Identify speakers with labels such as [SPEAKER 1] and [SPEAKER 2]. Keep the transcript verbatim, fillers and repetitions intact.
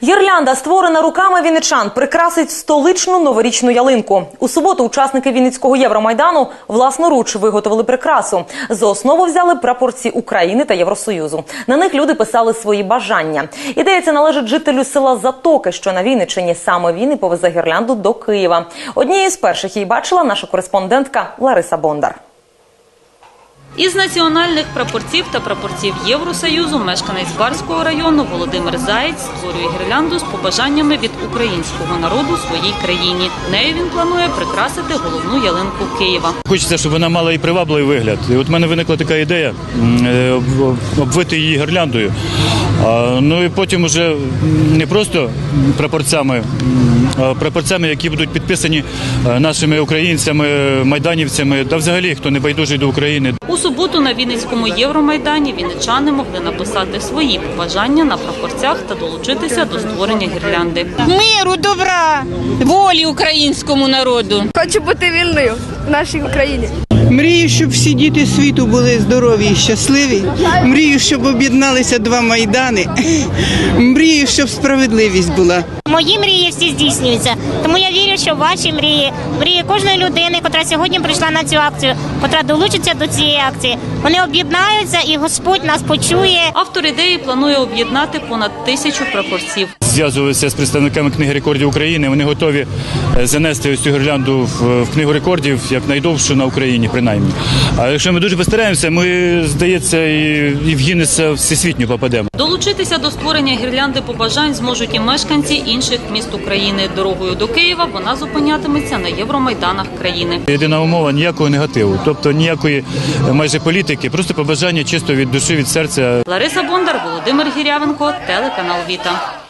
[SPEAKER 1] Гірлянда, створена руками вінничан, прикрасить столичну новорічну ялинку. У суботу учасники Вінницького Євромайдану власноруч виготовили прикрасу. За основу взяли прапорці України та Євросоюзу. На них люди писали свої бажання. Ідея ця належить жителю села Затоки, що на Вінниччині. Саме він і повезе гірлянду до Києва. Однією з перших її бачила наша кореспондентка Лариса Бондар.
[SPEAKER 2] Із національних прапорців та прапорців Євросоюзу мешканець Барського району Володимир Заєць створює гірлянду з побажаннями від українського народу своїй країні. Нею він планує прикрасити головну ялинку Києва.
[SPEAKER 3] Хочеться, щоб вона мала і привабливий вигляд. І от в мене виникла така ідея обвити її гірляндою. Ну і потім вже не просто прапорцями, а прапорцями, які будуть підписані нашими українцями, майданівцями, та взагалі, хто не байдужий до України.
[SPEAKER 2] У суботу на Вінницькому Євромайдані вінничани могли написати свої побажання на прапорцях та долучитися до створення гірлянди.
[SPEAKER 4] Миру, добра, волі українському народу.
[SPEAKER 5] Хочу бути вільною в нашій Україні.
[SPEAKER 6] Мрію, щоб всі діти світу були здорові і щасливі. Мрію, щоб об'єдналися два майдани. Мрію, щоб справедливість була.
[SPEAKER 7] Мої мрії всі здійснюються. Тому я вірю, що ваші мрії, мрії кожної людини, яка сьогодні прийшла на цю акцію, яка долучиться до цієї акції, вони об'єднаються і Господь нас почує.
[SPEAKER 2] Автор ідеї планує об'єднати понад тисячу прапорців.
[SPEAKER 3] Зв'язувалися з представниками Книги рекордів України. Вони готові занести ось цю гірлянду в Книгу рекордів як найдовшу на Україні, принаймні. А якщо ми дуже постараємося, ми, здається, і в Гіннеса всесвітньо попадемо.
[SPEAKER 2] Долучитися до створення гірлянди побажань зможуть і мешканці інших міст України. Дорогою до Києва вона зупинятиметься на євромайданах країни.
[SPEAKER 3] Єдина умова – ніякого негативу, тобто ніякої майже політики, просто побажання чисто від душі, від серця.
[SPEAKER 2] Лариса Бондар, Володимир Гірявенко, телеканал Віта.